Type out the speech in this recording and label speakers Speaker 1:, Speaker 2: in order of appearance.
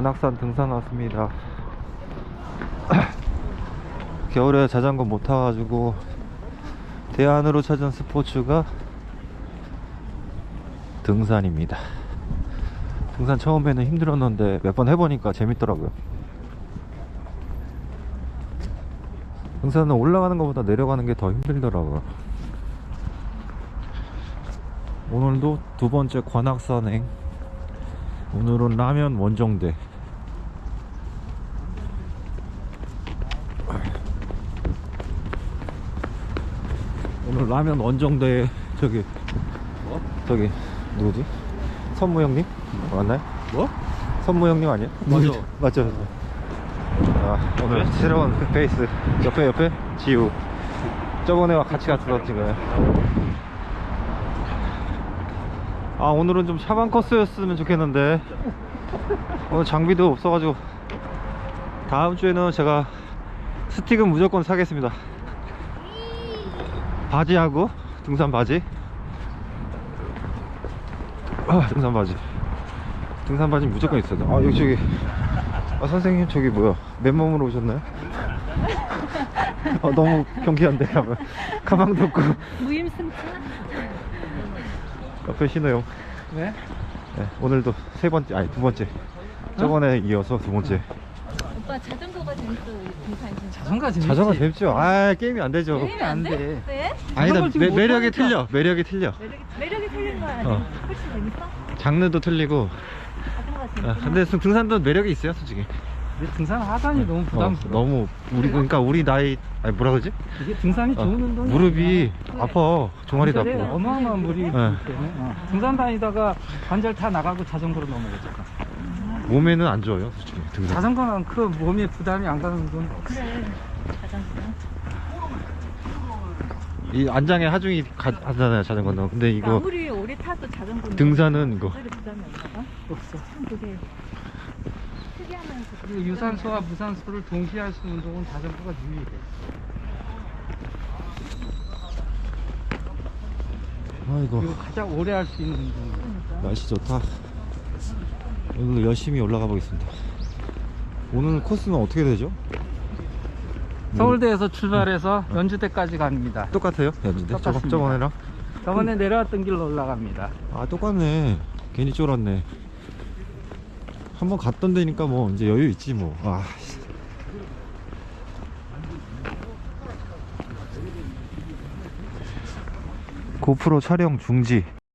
Speaker 1: 관악산 등산 왔습니다. 겨울에 자전거 못 타가지고 대안으로 찾은 스포츠가 등산입니다. 등산 처음에는 힘들었는데 몇 번 해보니까 재밌더라고요. 등산은 올라가는 것보다 내려가는 게 더 힘들더라고요. 오늘도 두 번째 관악산행. 오늘은 라면 원정대. 오늘 라면 원정대. 저기 누구지? 선무 형님? 맞나요?
Speaker 2: 뭐?
Speaker 1: 선무 형님 아니야?
Speaker 2: 맞아.
Speaker 1: 맞죠. 아, 오늘 새로운 페이스. 옆에 지우. 저번에와 같이 갔었던 거예요. 아, 오늘은 좀 샤방 코스였으면 좋겠는데 오늘 장비도 없어가지고 다음 주에는 제가 스틱은 무조건 사겠습니다. 바지하고 등산 바지. 등산 바지 무조건 있어야 돼. 아, 여기 저기 선생님 저기 뭐야, 맨몸으로 오셨나요? 너무 경쾌한데. 가방도 없고.
Speaker 3: 무임승차?
Speaker 1: 옆에 신호용.
Speaker 2: 네?
Speaker 1: 네, 오늘도 세 번째, 아니 두 번째. 저번에 이어서 두 번째.
Speaker 3: 오빠 자전거가 재밌어. 등산 진짜.
Speaker 2: 자전거 재밌지?
Speaker 1: 자전거 재밌죠? 아, 게임이 안 되죠.
Speaker 3: 게임이 안 돼? 왜?
Speaker 1: 아니다,
Speaker 2: 자전거 지금 못
Speaker 1: 매력이
Speaker 2: 타니까.
Speaker 1: 틀려. 매력이 틀려.
Speaker 3: 매력이 틀린 거야. 훨씬 재밌어?
Speaker 1: 장르도 틀리고.
Speaker 3: 자전거가
Speaker 1: 아,
Speaker 3: 재밌어.
Speaker 1: 근데 등산도 매력이 있어요, 솔직히.
Speaker 2: 근데 등산 하산이 너무 부담스러워.
Speaker 1: 너무 그러니까 우리 나이, 아니 뭐라 그러지?
Speaker 2: 이게 등산이 좋은 운동이야.
Speaker 1: 무릎이 아파. 종아리도
Speaker 2: 관절에
Speaker 1: 아프고.
Speaker 2: 어마어마한 무리 있기
Speaker 1: 네.
Speaker 2: 때문에 등산 다니다가 관절 다 나가고 자전거로 넘어가잖아.
Speaker 1: 몸에는 안 좋아요, 솔직히. 등산.
Speaker 2: 자전거는 그 몸에 부담이 안 가는 운동이 없어.
Speaker 3: 그래. 자전거.
Speaker 1: 이 안장에 하중이 하잖아요, 자전거는. 근데 이거
Speaker 3: 아무리 오래 타도 자전거는
Speaker 1: 등산은 이거
Speaker 3: 관절에 부담이 없나 봐.
Speaker 2: 없어.
Speaker 3: 참 그게 특이하면서.
Speaker 2: 그리고 유산소와 무산소를 동시에 할 수 있는 운동은 자전거가 유일해.
Speaker 1: 아이고,
Speaker 2: 그리고 가장 오래 할 수 있는 운동이야.
Speaker 1: 날씨 좋다. 오늘 열심히 올라가 보겠습니다. 오늘 코스는 어떻게 되죠?
Speaker 2: 서울대에서 출발해서 연주대까지 갑니다.
Speaker 1: 똑같아요? 연주대?
Speaker 2: 똑같습니다.
Speaker 1: 저번에랑?
Speaker 2: 저번에 내려왔던 길로 올라갑니다.
Speaker 1: 아, 똑같네. 괜히 쫄았네. 한번 갔던 데니까 뭐 이제 여유 있지 뭐. 아, 고프로 촬영 중지.